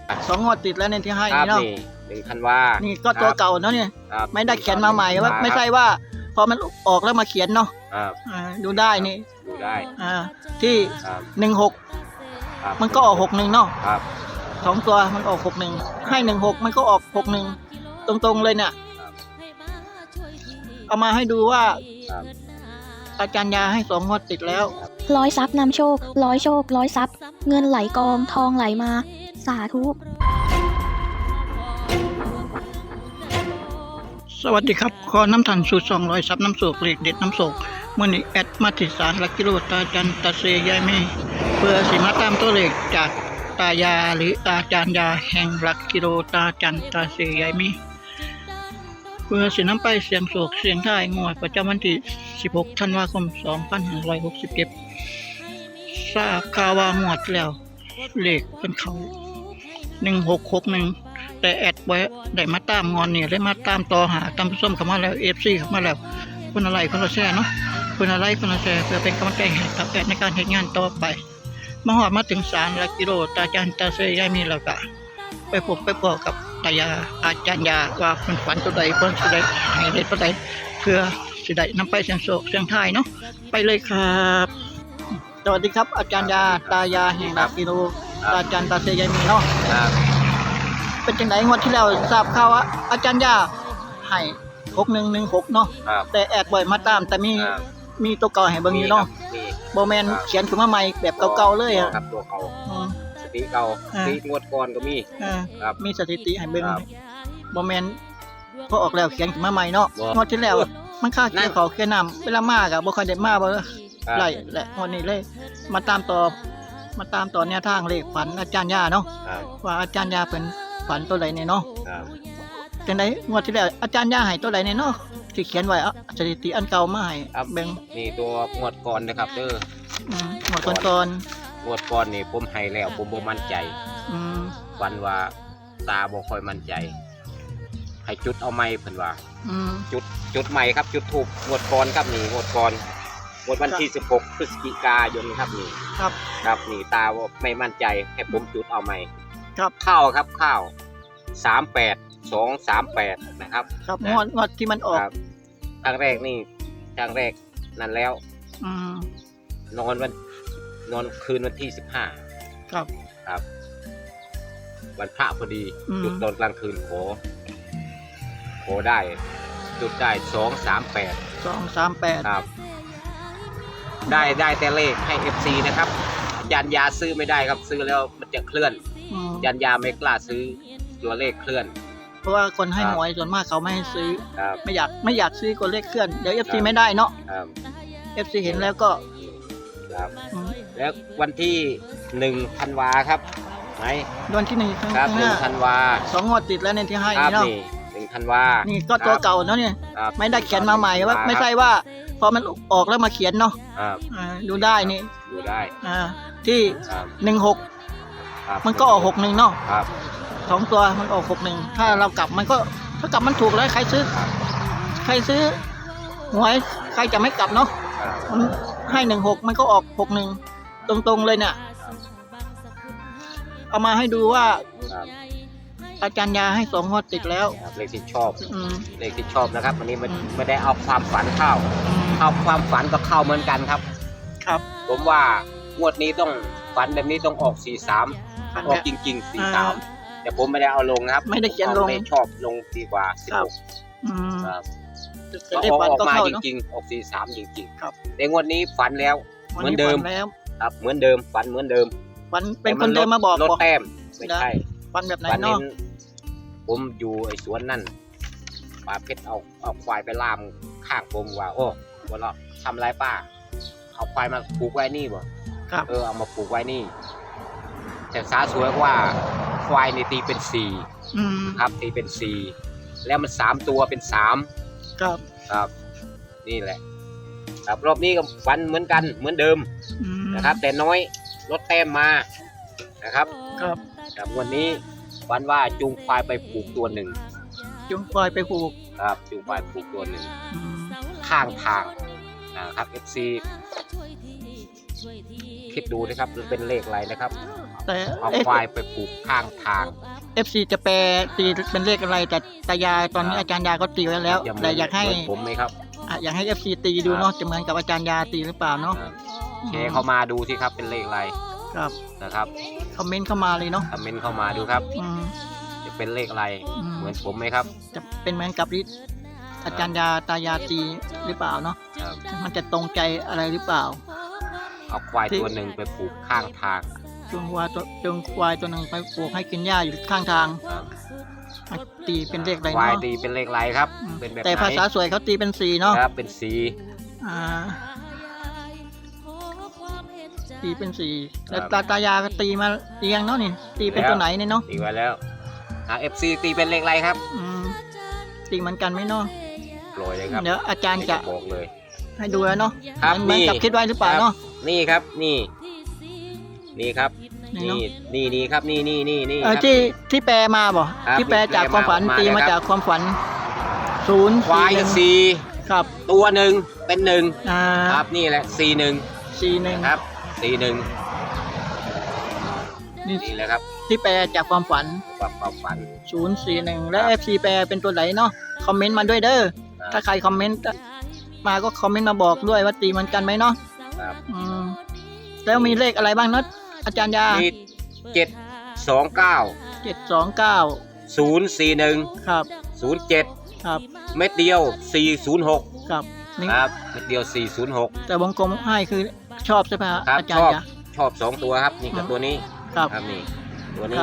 2 งวดติดแล้วเนี่ยที่ให้ครับเนาะนี่1 ธันวานี่ก็ตัวเก่าเนาะเนี่ยครับไม่ได้เขียนมาใหม่ว่าไม่ใช่ว่าพอมันออกแล้วมาเขียนเนาะครับดูได้นี่ดูได้ที่ครับ 16 ครับมันก็ออก61เนาะครับ 2 ตัวมันออก61ให้16มันก็ออก61ตรงๆเลยเนี่ยเอามาให้ดูว่าครับอาจารย์ยาให้2 งวดติดแล้วร้อยทรัพย์นำโชคร้อยโชคร้อยทรัพย์เงินไหลกองทองไหลมาสาธุสวัสดีครับขอน้ำทันสูตร200ซับน้ำโศกเลขเด็ดน้ำโศกเมื่อนี้แอดมาติดสารหลักกิโลตาจันตาเซยายเมเพื่อสิมาตามตัวเลขจากตายาหรืออาจารย์ยาแห่งหลักกิโลตาจันตาเซยายเมเพื่อสินำไปเสียงโศกเสียงท้ายงวดประจำวันที่16 ธันวาคม 2567ทราบข่าวว่างวดแล้วเลขเป็นเขา1661แต่แอดไว้ได้มาตามงอนเนี่ยได้มาตามต่อหาตามผู้ชมเข้ามาแล้ว FC เข้ามาแล้วคนอะไรคนละแชร์เนาะคนอะไรคนละแชร์เพื่อเป็นกำลังใจให้กับแอดในการเฮ็ดงานต่อไปมาฮอดมาถึงศาลหลักกิโลตาจันตาเซยายมีแล้วก็ไปพบไปพอกับตายาอาจารย์ยาว่าเพิ่นฝันตัวใดเพิ่นสิได้ให้เด็ดตัวใดเพื่อสิได้นำไปเสี่ยงโชคเสี่ยงทายเนาะไปเลยครับสวัสดีครับอาจารย์ยาตายาแห่งหลักกิโลตาจันตาเซยายมีเนาะครับเป็นจังไดงวดที่แล้วทราบข่าวว่าอาจารย์ยาให้6116เนาะครับแต่แอดบ่อยมาตามแต่มีครับมีตัวเก่าให้เบิ่งอยู่เนาะมีบ่แม่นเขียนขึ้นมาใหม่แบบเก่าๆเลยอ่ะครับตัวเก่าอืมสติเก่าสติงวดก่อนก็มีเออครับมีสถิติให้เบิ่งครับบ่แม่นพอออกแล้วเขียนขึ้นมาใหม่เนาะบ่งวดที่แล้วมันค่านั่เกี่ยนวเขาเกี่ยวน้ำเวลามาก็บ่ค่อยได้มาบ่ครับไล่แหละงวดนี้เลย มาตามต่อแนวทางเลขฝันอาจารย์ยาเนาะครับว่าอาจารย์ยาเพิ่นฝันตัวใดเนี่ยเนาะครับจังไดงวดที่แล้วอาจารย์ยาให้ตัวใดเนี่ยเนาะที่เขียนไว้อะสถิติอันเก่ามาให้ครับเบิ่งนี่ตัวงวดก่อนนะครับเด้องวดก่อนงวดก่อนนี่ผมให้แล้วผมบ่มั่นใจๆอืมวันว่าตาบ่ค่อยมั่นใจ ให้จุดเอาไม้เพิ่นว่าอืมจุดใหม่ครับจุดถูกงวดก่อนครับนี่งวดก่อนงวดวันที่16 พฤศจิกายนครับนี่ครับครับนี่ตาว่าไม่มั่นใจให้ผมจุดเอาใหม่ครับข้าวครับข้าว38238นะครับครับงวดที่มันออกครับครั้งแรกนี่ครั้งแรกนั่นแล้วอืมนอนคืนวันที่15 ครับครับ วันพระพอดีอืมจุดตอนกลางคืนขอได้จุดได้238 238 ครับ ได้แต่เลขให้ FC นะครับยันยาซื้อไม่ได้ครับซื้อแล้วมันจะเคลื่อนอืมยันยาไม่กล้าซื้อตัวเลขเคลื่อนเพราะว่าคนให้ครับหวยส่วนมากเขาไม่ให้ซื้อครับไม่อยากซื้อคนเลขเคลื่อนเดี๋ยว FC ครับไม่ได้เนาะครับ FC เห็นแล้วก็ครับอืมแล้ววันที่1 ธันวาครับไหมวันที่1ครั้งครับข้างหน้า 1 ธันวา 2 งวดติดแล้วเนี่ยที่ให้ครับเนาะนี่1 ธันวานี่ก็ตัวครับเก่าเนาะเนี่ยครับไม่ได้เขียนมาใหม่ว่าไม่ใช่ว่าพอมันออกแล้วมาเขียนเนาะครับดูได้นี่ดูได้ที่ครับ 16 ครับมันก็ออก61เนาะครับ 2 ตัวมันออก61ถ้าเรากลับมันก็ถ้ากลับมันถูกแล้วใครซื้อหวยใครจะไม่กลับเนาะครับมันให้16มันก็ออก61ตรงๆเลยเนี่ยเอามาให้ดูว่าครับอาจารย์ยาให้2 งวดติดแล้วครับเลขที่ชอบอืมเลขที่ชอบนะครับวันนี้มันอืมไม่ได้เอาความฝันเข้า เอาความฝันก็เข้าเหมือนกันครับครับผมว่างวดนี้ต้องฝันแบบนี้ต้องออก43ออกจริงๆ43แต่ผมไม่ได้เอาลงนะครับไม่ได้เขียนลงไม่ชอบลงดีกว่าครับ 16 อืมครับจะได้ฝันออกก็มาเข้าจเนาะริงๆออก43จริงครับๆแต่งวดนี้ฝันแล้ว เหมือนเดิมวัฝัแล้วครับเหมือนเดิมฝันเหมือนเดิมฝันเป็นคนเดิมมาบอกลดแต้มไม่ใช่ฝันแบบไหนฝันเนาะเน้นผมอยู่ไอ้สวนนั่นป้าเพชรเอาควายไปล่ามข้างผมว่า โอ้วันละทำไรป้าเอาควายมาผูกไว้นี่บ่ครับเอามาผูกไว้นี่ แต่สาสวยว่าควายนี่ตีเป็น4 อืมครับตีเป็น4แล้วมัน3ตัวเป็น3 ครับครับ นี่แหละครับรอบนี้ก็ฝันเหมือนกันเหมือนเดิมอืมนะครับ แต่น้อยลดแต้มมานะครับครับครับวันนี้ฝันว่าจูงควายไปผูกตัวหนึ่งจุงปล่อยไปผูกครับจูงควายผูกตัวหนึ่งอืมข้างทางนะครับ FC คิดดูนะครับมันเป็นเลขอะไรนะครับแแต่เอาควายไปผูกข้างทาง FC จะแปลตีเป็นเลขอะไรแต่ตายายตอนนี้อาจารย์ยาก็ตีไว้แล้วจะเหมืแต่อยากให้เหมืนผมไหมครับอยากให้ FC ตีดูเนาะจะเหมือนกับอาจารย์ยาตีหรือเปล่าเนาะครับแชร์เข้ามาดูสิครับเป็นเลขอะไรครับนะครับคอมเมนต์เข้ามาเลยเนาะคอมเมนต์เข้ามาดูครับอืมจะเป็นเลขอะไรอืมเหมือนผมไหมครับจะเป็นเหมือนกับที่อาจารย์ยาตายาตีหรือเปล่าเนาะครับมันจะตรงใจอะไรหรือเปล่าเอาควายตัวหนึ่งไปผูกข้างทางจูงควายตัวหนึ่งไปปลูกให้กินหญ้าอยู่ข้างทางครับมันตีเป็นเลขอะไรควายเนาะตีเป็นเลขอะไรครับอืมเป็นแบบแต่ไหนภาษาสวยเขาตีเป็น4เนาะครับเป็นสีอ่าตีเป็น4แล้วตายาก็ตีมาเรียงเนาะนี่ตีเป็นตัวไหนเนี่ยเนาะตีไว้แล้วFC ตีเป็นเลขอะไรครับอืมตีเหมือนกันไหมเนาะโปรยเลยครับเดี๋ยวอาจารย์จะบอกเลยให้ดูแล้วเนาะครับเหมือนกับนี่คิดไว้หรือเปล่าเนาะนี่ครับนี่ครับนี่เนอะนี่ครับนี่ครับที่แปลมาบ่ครับที่แปลจากความฝันมาตีมาแล้วครับจากความฝันศูนย์ควาย 41 สี่ครับตัวหนึ่งเป็นหนึ่งอ่าครับนี่แหละ41 41 ครับ41 นี่นี่แหละครับที่แปลจากความฝันความฝัน 041 และครับ FC แปลเป็นตัวไหนเนาะคอมเมนต์มาด้วยเด้อครับถ้าใครคอมเมนต์มาก็คอมเมนต์มาบอกด้วยว่าตีเหมือนกันไหมเนาะครับอืมแล้วมีเลขอะไรบ้างเนาะอาจารย์ยามี729 729 041 ครับ 07 ครับเม็ดเดียว406 ครับนี่ครับเม็ดเดียว406 แต่วงกลมให้คือชอบใช่ไหมฮะครับอาจาชรอบย์ยาชอบ2ตัวครับนี่กับตัวนี้ครับครับนี่ตัวคนี้รับ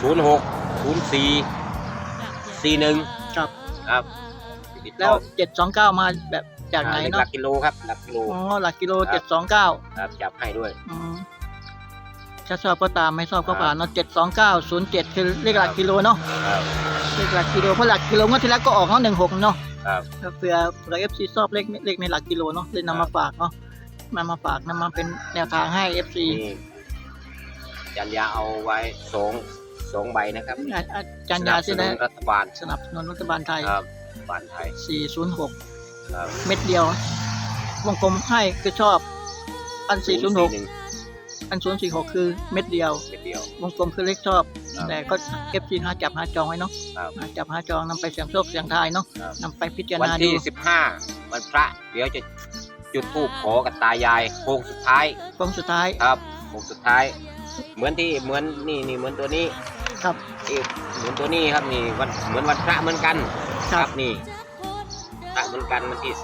06 04 41 ครับครับแล้ว729มาแบบจากไหนหลัเนาะกกิโลครับหลักกิโลอ๋อหลักกิโลครับ 729 ครับจับให้ด้วยอืมถ้าชอบก็ตามไม่ชอบก็ผ่านเนาะ72907คือเลขหลักกิโลเนาะครับเลขหลักกิโลเพราะหลักกิโลงวดที่แล้วก็ออกเนาะ16เนาะครับเผื่อFC ชอบเลขในหลักกิโลเนาะเลยนำมาฝากเนาะมาฝากนำมาเป็นแนวทางให้ FC นี่ยันยาเอาไว้สองใบนะครับอาจารย์ยาสใช่ไหมนับสนุนรัฐบาลสนับสนุนรัฐบาลไทยครับบาลไทย 406 ครับเม็ดเดียว วงกลมให้คือชอบอัน406 041 อัน046คือเม็ดเดียวเม็ดเดียววงกลมคือเลขชอบครับแต่ก็ FC หาจับหาจองไว้เนาะครับหาจับหาจองนำไปเสี่ยงโชคเสี่ยงทายเนาะครับนำไปพิจารวันณาดูที่15วันพระเดี๋ยวจะจุดธูปขอกับตายายโค้งสุดท้ายกองสุดท้ายครับโค้งสุดท้าย เหมือนนี่เหมือนตัวนี้ครับนี่เหมือนตัวนี้ครับนี่วันเหมือนวันพระเหมือนกันครับนี่พระเหมือนกันวันที่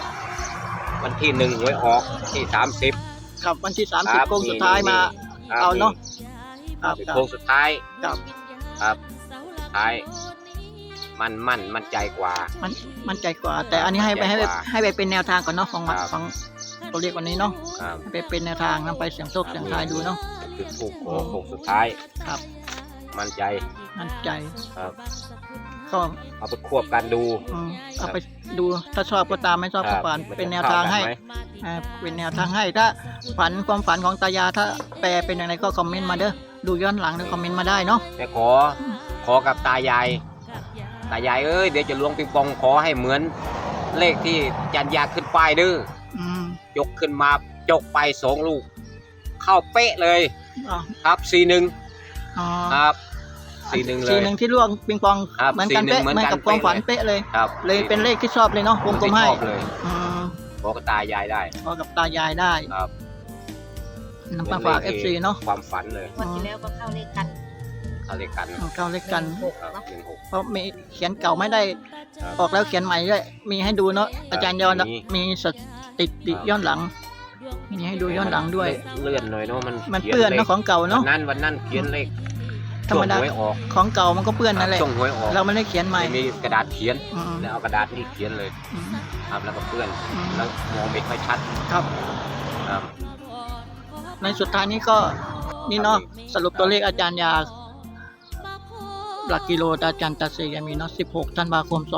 30วันที่1หวยออกที่30 ครับวันที่ครับ 30โค้งสุดท้ายมาครับเอาเนาะครับเป็นครับโค้งสุดท้ายครับครับสุดท้ายมั่นใจกว่ามันใจกว่า แต่อันนี้ให้ไปมั่นใจกว่าให้ไปเป็นแนวทางก่อนเนาะของครับของตัวเลขวันนี้เนาะครับให้ไปเป็นแนวทางนำไปเสี่ยงโชคเสี่ยงทายดูเนาะจุดธูปขอโค้งสุดท้ายครับมั่นใจมั่นใจครับก็เอาไปควบกันดูเอาไปดูถ้าชอบก็ตามไม่ชอบก็ผ่านครับเป็นแนวทางให้มันจะเข้ากันไหมเป็นแนวทางให้ถ้าความฝันของตายาถ้าแปลเป็นอย่างไรก็คอมเมนต์มาเด้อดูย้อนหลังหรือคอมเมนต์มาได้เนาะแต่ขอกับตายายเอ้ยเดี๋ยวจะล้วงปิงปองขอให้เหมือนเลขที่ยันยาขึ้นป้ายเด้ออืมยกขึ้นมาจกไป2ลูก เข้าเป๊ะเลยอ๋อครับ41 อ๋อครับ41เลย 41ที่ล่วงปิงปองครับเหมือนกันเป๊ะ 41 เหมือนกับความฝันเป๊ะเลยครับเลยเป็นเลขที่ชอบเลยเนาะวงกลมให้ชอบเลยอืมขอกับตายายได้พอกับตายายได้ครับนำมาฝาก FC เนาะความฝันเลยวันที่แล้วก็เข้าเลขกันเขาเรียกกันเข้าเลขกันครับ16 เพราะมีเขียนเก่าไม่ได้ครับออกแล้วเขียนใหม่ด้วยมีให้ดูเนาะอาจารย์ยอน มีสถิติย้อนหลัง มีให้ดูย้อนหลังด้วยเลื่อนหน่อยเนาะมันเปื้อนเนาะของเก่าเนาะวันนั้นเขียนเลขธรรมดาช่วงหวยออกของเก่ามันก็เปื้อนนั่นแหละช่วงหวยออกเราไม่ได้เขียนใหม่ไม่มีกระดาษเขียนอืมแล้วเอากระดาษนี่เขียนเลยอืมครับแล้วก็เปื้อนอืมแล้วมองไม่ค่อยชัดครับครับในสุดท้ายนี้ก็นี่เนาะสรุปตัวเลขอาจารย์ยาหลักกิโลอาจารย์ตัดเสียมีเนาะ16ธันวาคม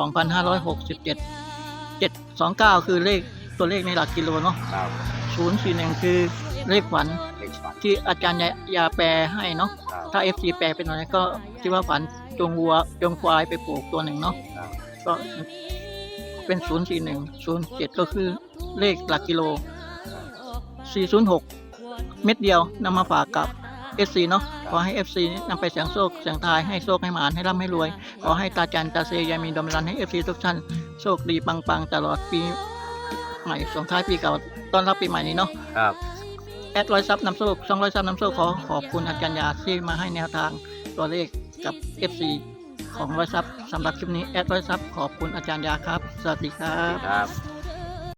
2567 729คือเลขตัวเลขในหลักกิโลเนาะครับ 041คือเลขฝันเลขฝันที่อาจารย์ยาแปลให้เนาะครับถ้า FC แปลเป็นอะไรก็ที่ว่าฝันจงวัวจงควายไปปลูกตัวหนึ่งเนาะครับก็เป็น04107ก็คือเลขหลักกิโล406เม็ดเดียวนำมาฝากกับ FC เนาะขอให้ FC นำไปเสียงโชคเสียงทายให้โชคให้หมานให้ร่ำให้รวยขอให้ตาจันตาเซยายมีดมรันให้ FC ทุกท่านโชคดีปังๆตลอดปีใหม่ส่งท้ายปีเก่าต้อนรับปีใหม่นี้เนาะครับแอด100 ซับน้ำโชค200 ซับน้ำโชคขอบคุณอาจารย์ยาที่มาให้แนวทางตัวเลขกับ FC ของ100 ซับสำหรับคลิปนี้แอด100 ซับขอบคุณอาจารย์ยาครับสวัสดีครับครับ